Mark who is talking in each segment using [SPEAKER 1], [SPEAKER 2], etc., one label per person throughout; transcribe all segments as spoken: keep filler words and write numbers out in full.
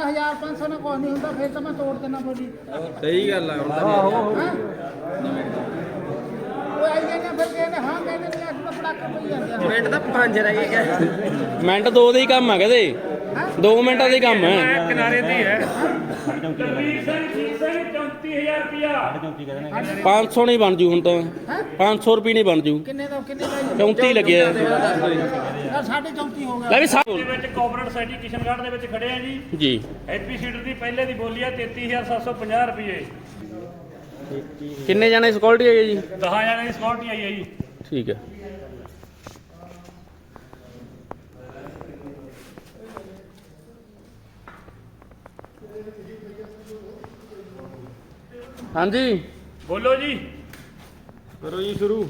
[SPEAKER 1] ਹਜ਼ਾਰ ਪੰਜ ਸੌ ਨਾਲ ਕੁਛ ਨਹੀਂ ਹੁੰਦਾ, ਫਿਰ ਤਾਂ ਮੈਂ ਤੋੜ ਦੇਣਾ ਬੋਲੀ।
[SPEAKER 2] ਸਹੀ ਗੱਲ ਆ ਹੁਣ ਤਾਂ
[SPEAKER 1] ਉਹ ਆਈ ਜਾਂਦੇ ਫਿਰ ਕਹਿੰਦੇ ਹਾਂ ਕਹਿੰਦੇ ਨਹੀਂ ਅੱਜ ਤਾਂ ਪੜਾਕਾ ਪਈ ਜਾਂਦਾ।
[SPEAKER 2] ਮਿੰਟ ਤਾਂ ਪੰਜ ਰਹਿ ਗਏ।
[SPEAKER 3] ਮਿੰਟ ਦੋ ਦੇ ਹੀ ਕੰਮ ਆ ਕਹਦੇ ਦੋ ਮਿੰਟਾਂ ਦੇ ਕੰਮ ਹੈ।
[SPEAKER 2] ਕਿਨਾਰੇ ਤੇ ਹੀ ਹੈ।
[SPEAKER 3] ਪੰਜ ਸੌ ਨਹੀਂ ਬਣ ਜੂ ਹੁਣ ਤਾਂ ਪੰਜ ਸੌ ਰੁਪਏ ਨਹੀਂ ਬਣ ਜੂ।
[SPEAKER 1] ਕਿੰਨੇ ਦਾ ਕਿੰਨੇ ਦਾ
[SPEAKER 3] ਚੌਂਤੀ ਲੱਗਿਆ
[SPEAKER 1] ਯਾਰ ਸਾਡੇ ਚੌਂਤੀ ਹੋ ਗਿਆ।
[SPEAKER 3] ਲੈ ਵੀ ਸਾ
[SPEAKER 4] ਦੇ ਵਿੱਚ ਕੋਆਪਰੇਟ ਸੋਸਾਇਟੀ ਕਿਸ਼ਨਗੜ੍ਹ ਦੇ ਵਿੱਚ ਖੜੇ ਆ ਜੀ।
[SPEAKER 3] ਜੀ
[SPEAKER 4] ਐਚਪੀ ਸੀਡਰ ਦੀ ਪਹਿਲੇ ਦੀ ਬੋਲੀ ਆ ਤੇਤੀ ਹਜ਼ਾਰ ਸੱਤ ਸੌ ਪੰਜਾਹ ਰੁਪਏ।
[SPEAKER 3] ਕਿੰਨੇ ਜਾਣੇ ਸਿਕਿਉਰਿਟੀ ਹੈਗੇ ਜੀ?
[SPEAKER 4] ਦਸ ਜਣਿਆਂ ਦੀ ਸਿਕਿਉਰਿਟੀ ਆਈ ਹੈ ਜੀ।
[SPEAKER 3] ਠੀਕ ਹੈ। ਹਾਂਜੀ
[SPEAKER 4] ਬੋਲੋ ਜੀ।
[SPEAKER 2] ਕਰੋ ਜੀ ਸ਼ੁਰੂ।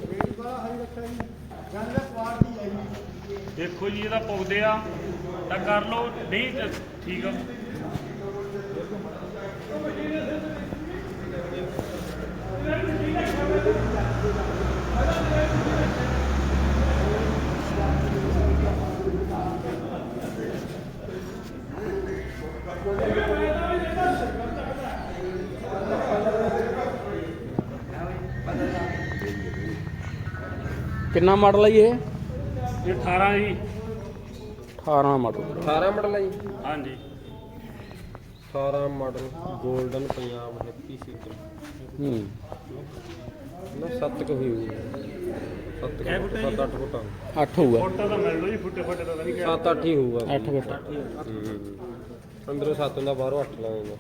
[SPEAKER 4] ਦੇਖੋ ਜੀ ਇਹਦਾ ਪੁੱਗਦੇ ਆ ਤਾਂ ਕਰ ਲਓ, ਨਹੀਂ ਤਾਂ ਠੀਕ ਆ।
[SPEAKER 3] ਕਿੰਨਾ ਮਾਡਲ ਹੈ ਜੀ ਇਹ?
[SPEAKER 4] ਇਹ ਅਠਾਰਾਂ ਜੀ।
[SPEAKER 3] ਅਠਾਰਾਂ ਮਾਡਲ।
[SPEAKER 2] ਅਠਾਰਾਂ ਮਾਡਲ ਆ ਜੀ।
[SPEAKER 4] ਹਾਂਜੀ
[SPEAKER 2] ਅਠਾਰਾਂ model golden Punjab happy seater.
[SPEAKER 3] ਹੂੰ
[SPEAKER 2] ਨਾ ਸੱਤ ਕੁ ਹੋਈ ਹੋਊਗੀ। ਸੱਤ ਕੁ ਫੁੱਟ, ਸੱਤ ਅੱਠ ਫੁੱਟ
[SPEAKER 3] ਅੱਠ ਹੋਊਗਾ।
[SPEAKER 4] ਫੋਟੋ ਤਾਂ ਮਿਲ ਲਓ ਜੀ, ਫੁੱਟੇ ਫੁੱਟੇ ਤਾਂ ਨਹੀਂ ਕਿਹਾ।
[SPEAKER 2] ਸੱਤ ਅੱਠ ਹੀ ਹੋਊਗਾ।
[SPEAKER 3] ਅੱਠ ਫੁੱਟ।
[SPEAKER 2] ਹੂੰ। ਅੰਦਰੋਂ ਸੱਤ ਹੁੰਦਾ, ਬਾਹਰੋਂ ਅੱਠ ਲਾਉਂਦਾ।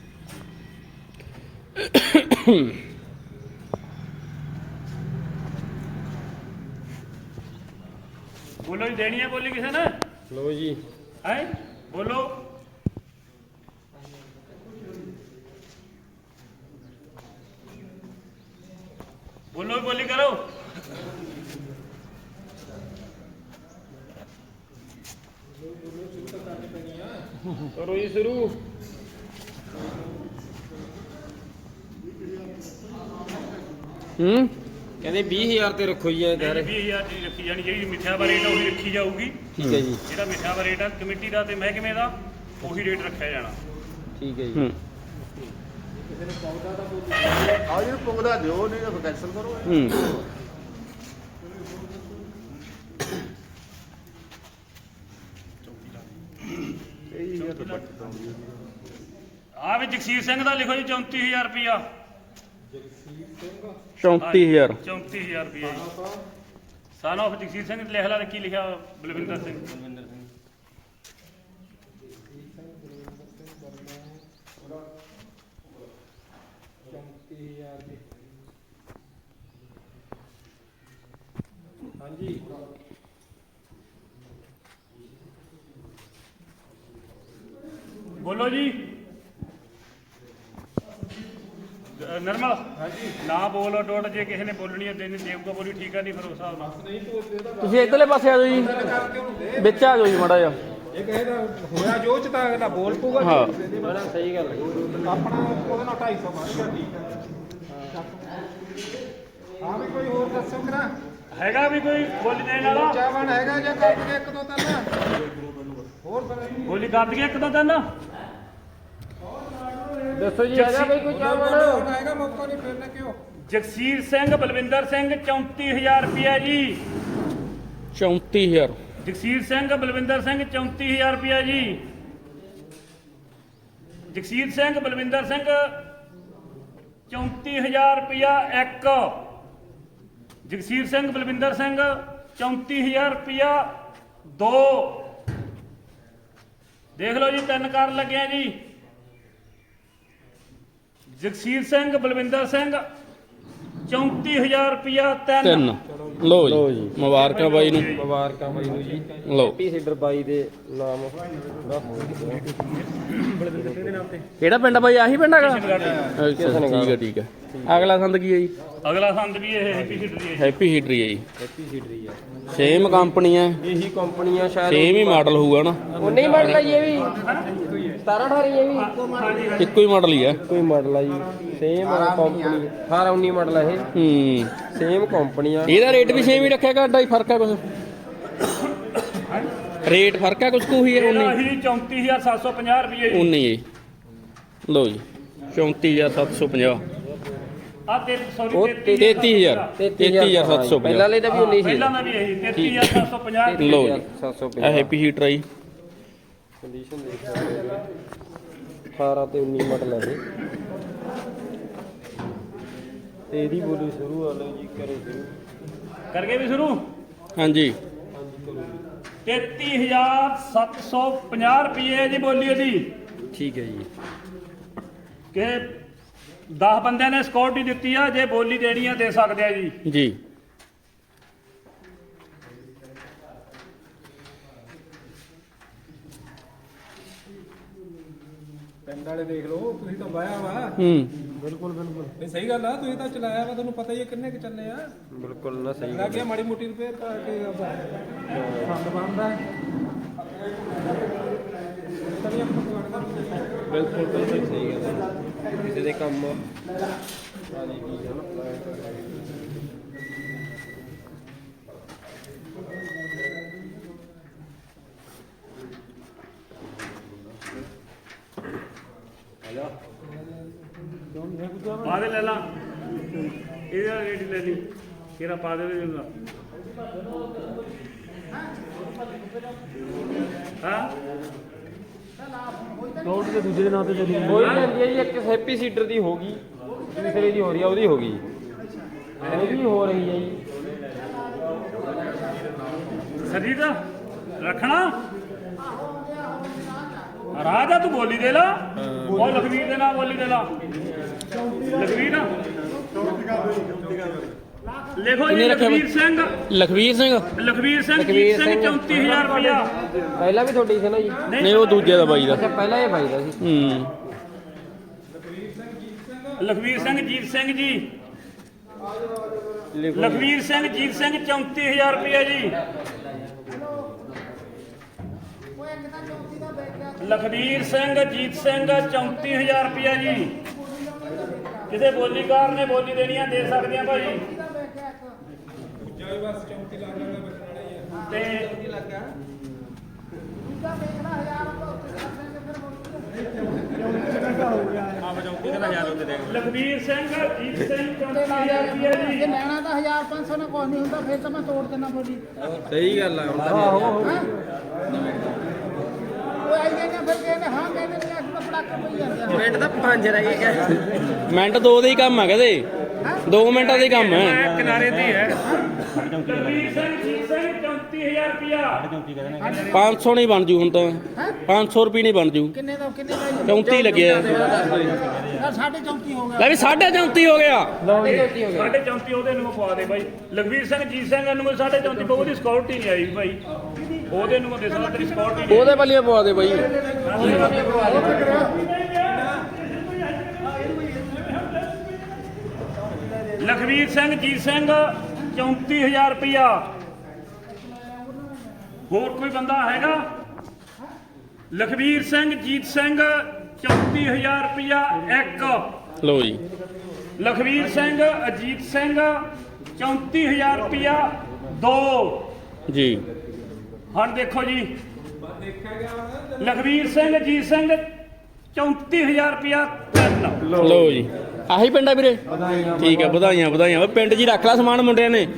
[SPEAKER 4] ਬੋਲੋ ਜੀ। ਦੇਣੀ ਹੈ ਬੋਲੀ ਕਿਸੇ ਨੇ?
[SPEAKER 2] ਲਓ ਜੀ।
[SPEAKER 4] ਹੈ ਬੋਲੋ। ਬੋਲੋ ਬੋਲੀ ਕਰੋ।
[SPEAKER 2] ਕਰੋ ਜੀ ਸ਼ੁਰੂ।
[SPEAKER 3] ਹੂੰ
[SPEAKER 2] ਕਹਿੰਦੇ ਵੀਹ ਹਜ਼ਾਰ ਤੇ ਰੱਖੋ ਜੀ ਇਹ ਸਾਰੇ।
[SPEAKER 4] ਵੀਹ ਹਜ਼ਾਰ ਦੀ ਰੱਖੀ ਜਾਣੀ, ਜਿਹੜੀ ਮਿੱਠਾ ਵਾ ਰੇਟ ਆ ਉਹੀ ਰੱਖੀ ਜਾਊਗੀ।
[SPEAKER 2] ਠੀਕ ਹੈ ਜੀ।
[SPEAKER 4] ਜਿਹੜਾ ਮਿੱਠਾ ਵਾ ਰੇਟ ਆ ਕਮੇਟੀ ਦਾ ਤੇ ਮਹਿਕਮੇ ਦਾ ਉਹੀ ਰੇਟ ਰੱਖਿਆ ਜਾਣਾ।
[SPEAKER 2] ਠੀਕ ਹੈ ਜੀ।
[SPEAKER 3] ਹੂੰ
[SPEAKER 5] ਆਹ ਜਿਹਨੂੰ ਪੁੱਗਦਾ ਦਿਓ, ਨਹੀਂ ਤਾਂ ਕੈਂਸਲ ਕਰੋ।
[SPEAKER 3] ਹੂੰ
[SPEAKER 4] ਆ ਵੀ ਜਗਸੀਰ ਸਿੰਘ ਦਾ ਲਿਖੋ ਜੀ ਚੌਂਤੀ ਹਜ਼ਾਰ ਰੁਪਇਆ।
[SPEAKER 3] ਚੌਂਤੀ ਹਜ਼ਾਰ।
[SPEAKER 4] ਚੌਂਤੀ ਹਜ਼ਾਰ ਰੁਪਇਆ ਜੀ। ਸਨ ਆਫ ਜਗਸੀਰ ਸਿੰਘ ਲਿਖ ਲਾ, ਕੀ ਲਿਖਿਆ? ਬਲਵਿੰਦਰ ਸਿੰਘ। ਬਲਵਿੰਦਰ ਸਿੰਘ।
[SPEAKER 2] ਹਾਂਜੀ।
[SPEAKER 4] ਬੋਲੋ ਜੀ। ਅ, ਨਿਰਮਲ। ਹਾਂਜੀ। ਨਾ ਬੋਲੋ ਡੋਟ, ਜੇ ਕਿਸੇ ਨੇ ਬੋਲਣੀ ਹੈ ਦੇਣੀ ਦੇਊਗਾ ਬੋਲੀ, ਠੀਕ ਆ? ਨਹੀਂ ਫਿਰ ਉਸ ਹਿਸਾਬ ਨਾਲ
[SPEAKER 3] ਤੁਸੀਂ ਇੱਧਰਲੇ ਪਾਸੇ ਆ ਜਾਓ ਜੀ, ਵਿੱਚ ਆ ਜਾਓ ਜੀ ਮਾੜਾ ਜਿਹਾ।
[SPEAKER 5] ਇਹ ਕਹਿੰਦਾ ਹੋਇਆ ਜੋ ਚ ਤਾਂ ਅਗਲਾ ਬੋਲ ਪੂਗਾ।
[SPEAKER 3] ਹਾਂ
[SPEAKER 2] ਬੜਾ ਸਹੀ ਗੱਲ ਹੈ।
[SPEAKER 5] ਆਪਣਾ ਉਹਦੇ ਨਾਲ ਢਾਈ ਸੌ ਮਾਰੇਗਾ। ਠੀਕ ਹੈ। ਹਾਂ ਵੀ ਕੋਈ ਹੋਰ ਦੱਸੋ ਕਰਾ
[SPEAKER 4] ਹੈਗਾ ਵੀ ਕੋਈ ਬੋਲੀ ਦੇਣ ਵਾਲਾ?
[SPEAKER 5] ਚਾਵਣ ਹੈਗਾ ਜਾਂ ਕੱਟ ਕੇ ਇੱਕ ਦੋ ਤਿੰਨ ਹੋਰ
[SPEAKER 4] ਬੋਲੀ ਕਰ ਦਈਏ ਇੱਕ ਦੋ ਦਿਨ।
[SPEAKER 2] ਦੱਸੋ ਜੀ ਹੈਗਾ ਬਈ ਕੋਈ ਚਾਵਲ?
[SPEAKER 5] ਹੈਗਾ ਮੌਕਾ ਨਹੀਂ ਫਿਰਨੇ ਕਿਉਂ।
[SPEAKER 4] ਜਗਸੀਰ ਸਿੰਘ ਬਲਵਿੰਦਰ ਸਿੰਘ ਚੌਂਤੀ ਹਜ਼ਾਰ ਰੁਪਇਆ ਜੀ।
[SPEAKER 3] ਚੌਂਤੀ ਹਜ਼ਾਰ।
[SPEAKER 4] ਜਗਸੀਰ ਸਿੰਘ ਬਲਵਿੰਦਰ ਸਿੰਘ ਚੌਂਤੀ ਹਜ਼ਾਰ ਰੁਪਇਆ ਜੀ। ਜਗਸੀਰ ਸਿੰਘ ਬਲਵਿੰਦਰ ਸਿੰਘ ਚੌਂਤੀ ਹਜ਼ਾਰ ਰੁਪਇਆ ਇੱਕ। ਜਗਸੀਰ ਸਿੰਘ ਬਲਵਿੰਦਰ ਸਿੰਘ ਚੌਂਤੀ ਹਜ਼ਾਰ ਰੁਪਇਆ ਦੋ। ਦੇਖ ਲਓ ਜੀ, ਤਿੰਨ ਕਾਰਨ ਲੱਗਿਆ ਜੀ। ਜਗਸੀਰ ਸਿੰਘ ਬਲਵਿੰਦਰ ਸਿੰਘ ਚੌਂਤੀ ਹਜ਼ਾਰ ਰੁਪਇਆ ਤਿੰਨ।
[SPEAKER 3] ਤਿੰਨ। ਲਓ ਜੀ, ਮੁਬਾਰਕਾਂ ਬਾਈ ਨੂੰ।
[SPEAKER 2] ਮੁਬਾਰਕਾਂ ਬਾਈ ਨੂੰ ਜੀ।
[SPEAKER 3] ਲਓ
[SPEAKER 2] ਹੈਪੀ ਸੀਡਰ ਬਾਈ ਦੇ ਨਾਮ।
[SPEAKER 3] ਕਿਹੜਾ ਪਿੰਡ ਆ ਬਾਈ? ਆਹੀ ਪਿੰਡ ਹੈਗਾ? ਅੱਛਾ ਠੀਕ ਹੈ ਠੀਕ ਹੈ। ਅਗਲਾ ਸੰਦ ਕੀ ਹੈ ਜੀ?
[SPEAKER 4] ਅਗਲਾ ਸੰਦ ਵੀ ਇਹ ਹੈਪੀ ਸੀਡਰ ਦੀ ਹੈ।
[SPEAKER 3] ਹੈਪੀ ਹੀਟਰੀ ਹੈ ਜੀ।
[SPEAKER 2] ਹੈਪੀ ਸੀਡਰ ਹੀ ਆ।
[SPEAKER 3] ਸੇਮ ਕੰਪਨੀ ਹੈ,
[SPEAKER 2] ਇਹੀ ਕੰਪਨੀ ਆ ਸ਼ਾਇਦ।
[SPEAKER 3] ਸੇਮ ਹੀ ਮਾਡਲ ਹੋਊਗਾ ਨਾ?
[SPEAKER 2] ਉਹਨੇ ਹੀ ਮਾਡਲ ਆ ਜੀ ਇਹ ਵੀ। ਸਤਾਰਾਂ ਅਠਾਰਾਂ ਇਹ ਵੀ
[SPEAKER 3] ਇੱਕੋ ਹੀ ਮਾਡਲ ਹੀ ਹੈ।
[SPEAKER 2] ਕੋਈ ਮਾਡਲ ਆ ਜੀ। Same company. ਅਠਾਰਾਂ ਉੱਨੀ ਮਾਡਲ ਆ ਇਹ।
[SPEAKER 3] ਹੂੰ
[SPEAKER 2] ਸੇਮ ਕੰਪਨੀ ਆ।
[SPEAKER 3] ਇਹਦਾ ਰੇਟ ਵੀ ਸੇਮ ਹੀ ਰੱਖਿਆ, ਘੱਟਾ ਹੀ ਫਰਕ ਹੈ ਕੁਛ? ਰੇਟ ਫਰਕ ਆ ਕੁਛ ਕੁ ਹੀ ਹੈ
[SPEAKER 4] ਇਹਦਾ
[SPEAKER 3] ਉਨੀ
[SPEAKER 4] ਹੀ ਚੌਂਤੀ ਹਜ਼ਾਰ ਸੱਤ ਸੌ ਪੰਜਾਹ ਰੁਪਏ ਜੀ
[SPEAKER 3] ਉਨੀ ਜੀ ਲਓ ਜੀ ਚੌਂਤੀ ਹਜ਼ਾਰ ਸੱਤ ਸੌ ਪੰਜਾਹ
[SPEAKER 4] ਆ ਤੇ ਸੌਰੀ
[SPEAKER 2] ਉਹ
[SPEAKER 3] ਤੇਤੀ ਹਜ਼ਾਰ ਤੇਤੀ ਹਜ਼ਾਰ ਸੱਤ ਸੌ
[SPEAKER 2] ਪਹਿਲਾਂ
[SPEAKER 3] ਪੰਜਾਹ
[SPEAKER 2] ਵਾਲੇ ਦਾ ਵੀ ਉਨੀ ਸੀ
[SPEAKER 4] ਪਹਿਲਾਂ ਦਾ ਵੀ ਇਹੀ ਤੇਤੀ ਹਜ਼ਾਰ ਸੱਤ ਸੌ ਪੰਜਾਹ ਰੁਪਏ
[SPEAKER 3] ਲਓ ਜੀ
[SPEAKER 2] ਸੱਤ ਸੌ
[SPEAKER 3] ਇਹ
[SPEAKER 2] ਪੰਜਾਹ
[SPEAKER 3] ਹੈਪੀ ਹੀਟਰ ਆਈ
[SPEAKER 2] ਕੰਡੀਸ਼ਨ ਦੇਖ ਸਕਦੇ ਹੋ ਅਠਾਰਾਂ ਤੇ ਉੱਨੀ ਮਾਡਲ ਹੈ ਇਹ ਤੇ ਇਹਦੀ ਬੋਲੀ ਸ਼ੁਰੂ ਆ ਲਓ ਜੀ ਕਰੋ ਸ਼ੁਰੂ
[SPEAKER 4] ਕਰਕੇ ਵੀ ਸ਼ੁਰੂ
[SPEAKER 3] ਹਾਂਜੀ
[SPEAKER 4] ਤੇਤੀ ਹਜ਼ਾਰ ਸੱਤ ਸੌ ਪੰਜਾਹ ਰੁਪਏ ਜੀ ਬੋਲੀ ਉਹਦੀ
[SPEAKER 2] ਠੀਕ ਹੈ ਜੀ
[SPEAKER 4] ਕਿ ਦਸ ਬੰਦਿਆਂ ਨੇ ਸਿਕਿਉਰਿਟੀ ਦਿੱਤੀ ਆ ਜੇ ਬੋਲੀ ਦੇਣੀ ਆ ਦੇ ਸਕਦੇ ਆ ਜੀ
[SPEAKER 3] ਜੀ
[SPEAKER 5] ਪਿੰਡ ਵਾਲੇ ਦੇਖ ਲਓ ਤੁਸੀਂ ਤਾਂ ਵਾਇਆ ਵਾ
[SPEAKER 3] ਹੂੰ
[SPEAKER 2] ਬਿਲਕੁਲ ਬਿਲਕੁਲ
[SPEAKER 5] ਨਹੀਂ ਸਹੀ ਗੱਲ ਆ ਤੁਸੀਂ ਤਾਂ ਚਲਾਇਆ ਵਾ ਤੁਹਾਨੂੰ ਪਤਾ ਹੀ ਹੈ ਕਿੰਨੇ ਕੁ ਚੱਲੇ ਆ
[SPEAKER 2] ਬਿਲਕੁਲ ਨਾ ਸਹੀ
[SPEAKER 5] ਲੱਗ ਗਿਆ ਮਾੜੀ ਮੋਟੀ ਰਿਪੇਅਰ ਕਰਕੇ ਫੰਡ ਬਣਦਾ ਤਨੀ ਆਪਾਂ ਤੁਹਾਡਾ
[SPEAKER 2] ਬਿਲਕੁਲ ਬਿਲਕੁਲ ਸਹੀ ਗੱਲ ਹੈ ਕਿਸੇ ਦੇ ਕੰਮ ਵਾਲੀ ਵੀ ਹੈ ਨਾ
[SPEAKER 4] ਪਾ ਦੇ ਲੈ ਲਾ ਇਹਦਾ ਰੇਟ ਲੈ ਲਈ ਕਿਹੜਾ ਪਾ ਦੇ ਦੇਗਾ ਹਾਂ
[SPEAKER 2] ਕੋਈ ਲੈਂਦੀ ਹੈ ਜੀ ਇੱਕ ਹੈਪੀ ਸੀਡਰ ਦੀ ਹੋ ਗਈ ਦੂਸਰੇ ਦੀ ਹੋ ਰਹੀ ਆ ਉਹਦੀ ਹੋ ਗਈ ਉਹਦੀ ਹੋ ਰਹੀ ਹੈ ਜੀ
[SPEAKER 4] ਸਰਜੀਤ ਰੱਖਣਾ ਰਾਜਾ ਤੂੰ ਬੋਲੀ ਦੇ ਲਾ ਉਹ ਲਖਵੀਰ ਦੇ ਨਾਲ ਬੋਲੀ ਦੇ ਲਾ ਲਖਵੀਰ ਲਿਖੋ ਜੀ
[SPEAKER 3] ਕਿੰਨੇ ਰੱਖਿਆ
[SPEAKER 4] ਲਖਵੀਰ ਸਿੰਘ
[SPEAKER 3] ਲਖਵੀਰ ਸਿੰਘ
[SPEAKER 4] ਲਖਵੀਰ ਸਿੰਘ ਜੀਤ ਸਿੰਘ ਚੌਂਤੀ ਹਜ਼ਾਰ ਰੁਪਇਆ
[SPEAKER 2] ਪਹਿਲਾਂ ਵੀ ਤੁਹਾਡੀ ਸੀ ਨਾ ਜੀ
[SPEAKER 3] ਨਹੀਂ ਉਹ ਦੂਜੇ ਦਾ ਬਾਈ ਦਾ
[SPEAKER 2] ਅੱਛਾ ਪਹਿਲਾਂ ਇਹ ਬਾਈ ਦਾ ਸੀ
[SPEAKER 3] ਹੂੰ
[SPEAKER 4] ਲਖਵੀਰ ਸਿੰਘ ਜੀਤ ਸਿੰਘ ਜੀ ਲਖਵੀਰ ਸਿੰਘ ਜੀਤ ਸਿੰਘ ਚੌਂਤੀ ਹਜ਼ਾਰ ਰੁਪਇਆ ਜੀ ਲਖਵੀਰ ਸਿੰਘ ਜੀਤ ਸਿੰਘ ਚੌਂਤੀ ਹਜ਼ਾਰ ਰੁਪਇਆ ਜੀ ਕਿਸੇ ਬੋਲੀਕਾਰ ਨੇ ਬੋਲੀ ਦੇਣੀ ਆ ਦੇ ਸਕਦੇ ਆ ਭਾਈ ਤੇ ਲਖਵੀਰ ਸਿੰਘ ਜੀਤ ਸਿੰਘ ਚੌਂਤੀ ਹਜ਼ਾਰ ਰੁਪਇਆ ਜੀ
[SPEAKER 1] ਜੇ ਲੈਣਾ ਤਾਂ ਹਜ਼ਾਰ ਪੰਜ ਸੌ ਨਾਲ ਕੁਝ ਨਹੀਂ ਹੁੰਦਾ ਫਿਰ ਤਾਂ ਮੈਂ ਤੋੜ ਦੇਣਾ ਬੋਲੀ
[SPEAKER 2] ਸਹੀ ਗੱਲ ਆ
[SPEAKER 1] ਉਹ ਆਈ ਜਾਂਦੇ ਫਿਰ ਕਹਿੰਦੇ ਹਾਂ ਕਹਿੰਦੇ ਨੇ ਅੱਜ ਪੜਾਕੇ ਪਈ ਜਾਂਦੇ ਆ
[SPEAKER 2] ਮਿੰਟ ਤਾਂ ਪੰਜ ਰਹਿ ਗਏ
[SPEAKER 3] ਮਿੰਟ ਦੋ ਦੇ ਹੀ ਕੰਮ ਆ ਕਹਦੇ ਦੋ ਮਿੰਟਾਂ ਦੇ ਹੀ ਕੰਮ ਹੈ
[SPEAKER 4] ਕਿਨਾਰੇ ਤੇ ਹੈ ਲਖਵੀਰ ਸਿੰਘ ਜੀਤ ਸਿੰਘ ਚੌਂਤੀ ਹਜ਼ਾਰ ਰੁਪਇਆ
[SPEAKER 3] ਪੰਜ ਸੌ ਨਹੀਂ ਬਣ ਜੂ ਹੁਣ ਤਾਂ ਪੰਜ ਸੌ ਰੁਪਏ ਨਹੀਂ ਬਣ ਜੂ
[SPEAKER 1] ਕਿੰਨੇ ਦਾ ਕਿੰਨੇ ਦਾ ਜੀ?
[SPEAKER 3] ਚੌਂਤੀ ਲੱਗਿਆ
[SPEAKER 1] ਯਾਰ ਸਾਢੇ ਚੌਂਤੀ ਹੋ ਗਿਆ
[SPEAKER 3] ਲੈ ਵੀ ਸਾਢੇ ਚੌਂਤੀ ਹੋ ਗਿਆ
[SPEAKER 4] ਸਾਢੇ ਚੌਂਤੀ ਉਹਦੇ ਨੂੰ ਪਵਾ ਦੇ ਬਾਈ ਲਖਵੀਰ ਸਿੰਘ ਜੀਤ ਸਿੰਘ ਨੂੰ ਸਾਢੇ ਚੌਂਤੀ ਬਹੁ ਦੀ ਸਿਕਿਉਰਿਟੀ ਨਹੀਂ ਆਈ ਭਾਈ ਉਹਦੇ ਨੂੰ ਦੇ ਸਾਡਾ ਤੇਰੀ ਸਿਕਿਉਰਿਟੀ
[SPEAKER 3] ਉਹਦੇ ਵੱਲੀਆਂ ਪਵਾ ਦੇ ਬਾਈ
[SPEAKER 4] ਲਖਵੀਰ ਸਿੰਘ ਜੀਤ ਸਿੰਘ ਚੌਂਤੀ ਹਜ਼ਾਰ ਰੁਪਇਆ ਹੋਰ ਕੋਈ ਬੰਦਾ ਹੈਗਾ ਲਖਵੀਰ ਸਿੰਘ ਜੀਤ ਸਿੰਘ ਚੌਂਤੀ ਹਜ਼ਾਰ ਰੁਪਇਆ ਇੱਕ
[SPEAKER 3] ਲਓ ਜੀ
[SPEAKER 4] ਲਖਵੀਰ ਸਿੰਘ ਅਜੀਤ ਸਿੰਘ ਚੌਂਤੀ ਹਜ਼ਾਰ ਰੁਪਇਆ ਦੋ
[SPEAKER 3] ਜੀ
[SPEAKER 4] ਹੁਣ ਦੇਖੋ ਜੀ ਲਖਵੀਰ ਸਿੰਘ ਅਜੀਤ ਸਿੰਘ ਚੌਂਤੀ ਹਜ਼ਾਰ ਰੁਪਇਆ ਤਿੰਨ
[SPEAKER 3] ਲਓ ਜੀ ਆਹੀ ਪਿੰਡ ਆ ਵੀਰੇ ਠੀਕ ਆ ਵਧਾਈਆਂ ਵਧਾਈਆਂ ਓਏ ਪਿੰਡ 'ਚ ਹੀ ਰੱਖ ਲੈ ਸਮਾਨ ਮੁੰਡਿਆਂ ਨੇ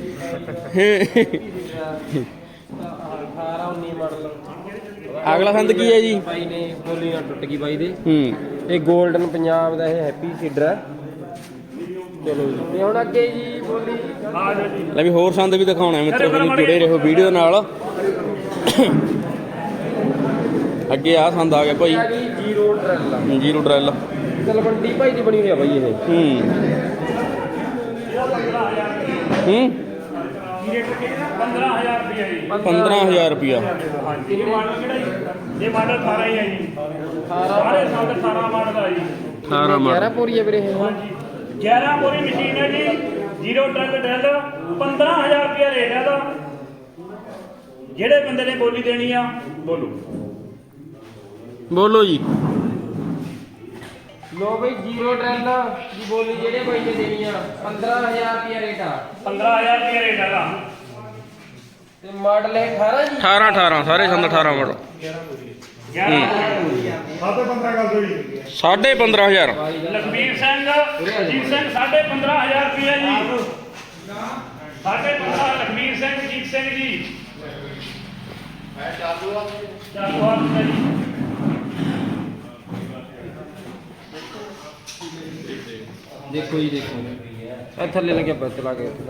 [SPEAKER 2] ਅਠਾਰਾਂ ਉੱਨੀ ਮਾਡਲ
[SPEAKER 3] ਅਗਲਾ ਸੰਦ ਕੀ ਹੈ ਜੀ
[SPEAKER 2] ਬਾਈ ਨੇ ਬੋਲੀ ਨਾਲ ਟੁੱਟ ਗਈ ਬਾਈ ਦੇ
[SPEAKER 3] ਹੂੰ
[SPEAKER 2] ਇਹ 골ਡਨ ਪੰਜਾਬ ਦਾ ਇਹ ਹੈਪੀ ਸੀਡਰ ਹੈ ਚਲੋ ਜੀ ਤੇ ਹੁਣ ਅੱਗੇ ਜੀ ਬੋਲੀ
[SPEAKER 4] ਆ ਜਾਓ ਜੀ
[SPEAKER 3] ਲੈ ਵੀ ਹੋਰ ਸੰਦ ਵੀ ਦਿਖਾਉਣਾ ਮਿੱਤਰੋ ਤੁਸੀਂ ਜੁੜੇ ਰਹੋ ਵੀਡੀਓ ਨਾਲ ਅੱਗੇ ਆ ਸੰਦ ਆ ਗਿਆ ਭਾਈ
[SPEAKER 2] ਆ ਗਈ zero drill
[SPEAKER 3] zero drill
[SPEAKER 2] Talwandi Bhai ਦੀ ਬਣੀ ਹੋਈ ਆ ਬਾਈ ਇਹ
[SPEAKER 3] ਹੂੰ ਹੂੰ
[SPEAKER 4] ਪੰਦਰਾਂ ਹਜ਼ਾਰ ਰੁਪਇਆ ਜੀ
[SPEAKER 3] ਪੰਦਰਾਂ ਹਜ਼ਾਰ ਰੁਪਇਆ
[SPEAKER 4] ਹਾਂਜੀ ਇਹ ਮਾਡਲ ਕਿਹੜਾ ਜੀ ਇਹ ਮਾਡਲ ਅਠਾਰਾਂ ਹੀ ਹੈ ਜੀ ਸਾਰੇ ਸਾਲ ਅਠਾਰਾਂ ਮਾਡਲ ਆ ਜੀ
[SPEAKER 3] ਅਠਾਰਾਂ
[SPEAKER 2] ਗਿਆਰਾਂ
[SPEAKER 3] ਮਾਡਲ
[SPEAKER 2] ਪੂਰੀ ਹੈ ਵੀਰੇ ਇਹ
[SPEAKER 4] ਹਾਂਜੀ ਗਿਆਰਾਂ ਬੋਰੀ ਮਸ਼ੀਨ ਹੈ ਜੀ ਜ਼ੀਰੋ ਟਰੱਕ ਡੈਲ ਪੰਦਰਾਂ ਹਜ਼ਾਰ ਰੁਪਇਆ ਰੇਟ ਹੈ ਦਾ ਜਿਹੜੇ ਬੰਦੇ ਨੇ ਬੋਲੀ ਦੇਣੀ ਆ ਬੋਲੋ
[SPEAKER 3] ਬੋਲੋ ਜੀ
[SPEAKER 2] ਲੋ ਬਈ ਜ਼ੀਰੋ ਡਰੈਲ ਦੀ ਬੋਲੀ ਜਿਹੜੇ ਬਾਈ ਨੇ ਦੇਣੀ ਆ ਪੰਦਰਾਂ ਹਜ਼ਾਰ ਰੁਪਿਆ ਰੇਟ ਆ
[SPEAKER 4] ਪੰਦਰਾਂ ਹਜ਼ਾਰ ਰੁਪਇਆ ਰੇਟ ਹੈਗਾ
[SPEAKER 2] ਤੇ ਮਾਡਲ ਹੈ ਅਠਾਰਾਂ ਜੀ
[SPEAKER 3] ਅਠਾਰਾਂ ਅਠਾਰਾਂ ਸਾਰੇ ਸੰਦ ਅਠਾਰਾਂ ਮਾਡਲ
[SPEAKER 4] ਗਿਆਰਾਂ
[SPEAKER 5] ਸਾਢੇ ਪੰਦਰਾਂ ਗੱਲ ਹੋਈ
[SPEAKER 3] ਸਾਢੇ ਪੰਦਰਾਂ ਹਜ਼ਾਰ
[SPEAKER 4] ਲਖਬੀਰ ਸਿੰਘ ਅਜੀਤ ਸਿੰਘ ਸਾਢੇ ਪੰਦਰਾਂ ਹਜ਼ਾਰ ਰੁਪਇਆ ਜੀ ਸਾਢੇ ਪੰਦਰਾਂ ਲਖਬੀਰ ਸਿੰਘ ਅਜੀਤ ਸਿੰਘ ਜੀ ਚਾਲੂ ਆ ਜੀ
[SPEAKER 2] ਦੇਖੋ ਜੀ ਦੇਖੋ ਇਹ ਥੱਲੇ ਲੱਗਿਆ ਬੱਤ ਲਾ ਕੇ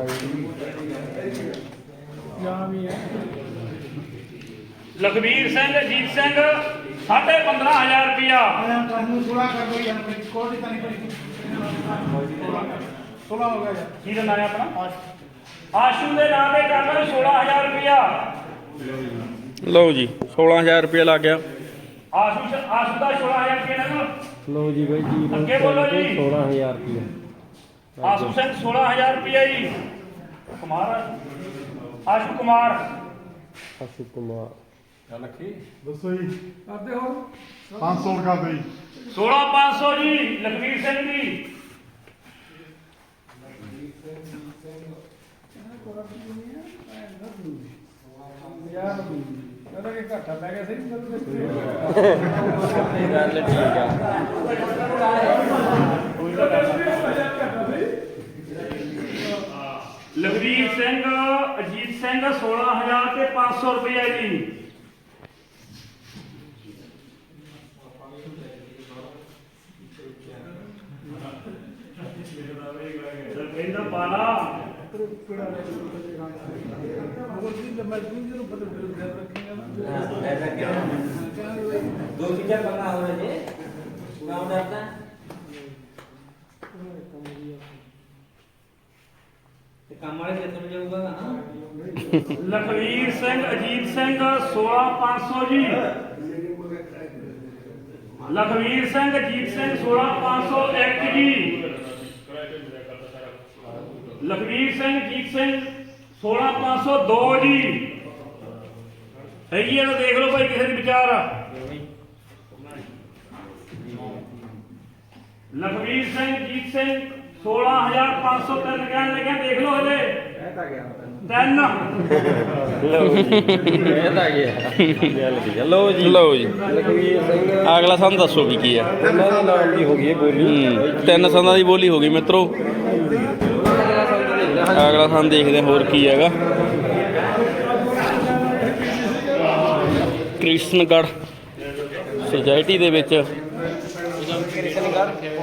[SPEAKER 4] ਲਖਬੀਰ ਸਿੰਘ ਅਜੀਤ ਸਿੰਘ ਸਾਢੇ ਪੰਦਰਾਂ ਹਜ਼ਾਰ ਰੁਪਇਆ
[SPEAKER 5] ਤੁਹਾਨੂੰ ਥੋੜਾ ਕਰ ਦੋ ਯਾਰ ਕੋਲ ਦੀ ਤਾਂ ਨਹੀਂ ਪੜੀ ਥੋੜਾ ਹੋ ਗਿਆ ਯਾਰ
[SPEAKER 4] ਕੀ ਦਾ ਨਾਮ ਹੈ ਆਪਣਾ ਆਸ਼ੂ ਦੇ ਨਾਂ ਤੇ ਕਰ ਲਓ ਸੋਲਾਂ ਹਜ਼ਾਰ ਰੁਪਇਆ
[SPEAKER 3] ਲਓ ਜੀ ਸੋਲਾਂ ਹਜ਼ਾਰ ਰੁਪਏ ਲੱਗ ਗਿਆ
[SPEAKER 4] ਆਸ਼ੂ ਸ਼- ਆਸ਼ੂ ਦਾ ਸੋਲਾਂ ਹਜ਼ਾਰ ਰੁਪਇਆ ਨਾ
[SPEAKER 2] ਲਓ ਜੀ ਬਾਈ ਜੀ
[SPEAKER 4] ਅੱਗੇ ਬੋਲੋ ਜੀ।
[SPEAKER 2] ਸੋਲਾਂ ਹਜ਼ਾਰ ਰੁਪਏ
[SPEAKER 4] ਆਸ਼ੂ ਸਿੰਘ ਸੋਲਾਂ ਹਜ਼ਾਰ ਰੁਪਇਆ ਜੀ ਕੁਮਾਰ ਆਸ਼ੂ ਕੁਮਾਰ
[SPEAKER 2] ਅਸ਼ੂ ਕੁਮਾਰ
[SPEAKER 5] ਦੱਸੋ ਜੀ ਕਰਦੇ ਹੋ ਪੰਜ ਸੌ ਕਰ ਦੋ ਜੀ
[SPEAKER 4] ਸੋਲਾਂ ਪੰਜ ਸੌ ਜੀ ਲਖਵੀਰ ਸਿੰਘ ਜੀ
[SPEAKER 5] ਕਹਿੰਦਾ ਕਿ ਘਾਟਾ ਪੈ ਗਿਆ ਸਹੀ
[SPEAKER 2] ਗੱਲ ਠੀਕ ਆ
[SPEAKER 4] ਲਖਵੀਰ ਸਿੰਘ ਅਜੀਤ ਸਿੰਘ ਸੋਲਾਂ ਹਜ਼ਾਰ ਤੇ ਪੰਜ ਸੌ ਰੁਪਇਆ ਜੀ ਕਹਿੰਦਾ ਪਾਲਾ
[SPEAKER 6] दो फीचर बना हो रहे थे गाँव डालता कमाल के समझ होगा हाँ
[SPEAKER 4] ਲਖਵੀਰ ਸਿੰਘ ਅਜੀਤ ਸਿੰਘ ਸੋਲਾਂ ਪੰਜ ਸੌ ਜੀ ਲਖਵੀਰ ਸਿੰਘ ਅਜੀਤ ਸਿੰਘ ਸੋਲਾਂ ਪੰਜ ਸੌ ਇੱਕ ਜੀ ਲਖਵੀਰ ਸਿੰਘ ਅਜੀਤ ਸਿੰਘ ਸੋਲਾਂ ਪੰਜ ਸੌ ਦੋ ਜੀ ਹੈਗੀ ਆ ਤਾਂ ਦੇਖ ਲਓ ਭਾਈ ਕਿਸੇ ਦੀ ਵਿਚਾਰ ਆ ਲਖਵੀਰ ਸਿੰਘ ਅਜੀਤ ਸਿੰਘ ਸੋਲਾਂ ਹਜ਼ਾਰ ਪੰਜ ਸੌ ਤਿੰਨ ਕਹਿਣ ਲੱਗਿਆ ਦੇਖ ਲਓ ਹਜੇ ਤਿੰਨ
[SPEAKER 2] ਲਓ ਜੀ ਇਹ ਤਾਂ ਗਿਆ ਗੱਲ ਠੀਕ ਆ ਲਓ ਜੀ
[SPEAKER 3] ਲਓ ਜੀ
[SPEAKER 2] ਲਖਵੀਰ ਸਿੰਘ
[SPEAKER 3] ਅਗਲਾ ਸਾਨੂੰ ਦੱਸੋ ਵੀ ਕੀ ਆ
[SPEAKER 2] ਇਹਨਾਂ ਦੇ ਨਾਮ ਦੀ ਹੋ ਗਈ ਇਹ ਬੋਲੀ
[SPEAKER 3] ਹੂੰ ਤਿੰਨ ਸੰਦਾਂ ਦੀ ਬੋਲੀ ਹੋ ਗਈ ਮਿੱਤਰੋ ਅਗਲਾ ਸਾਨੂੰ ਦੇਖਦੇ ਹਾਂ ਹੋਰ ਕੀ ਹੈਗਾ ਕ੍ਰਿਸ਼ਨਗੜ੍ਹ ਸੁਸਾਇਟੀ ਦੇ ਵਿੱਚ
[SPEAKER 2] ਕ੍ਰਿਸ਼ਨਗੜ੍ਹ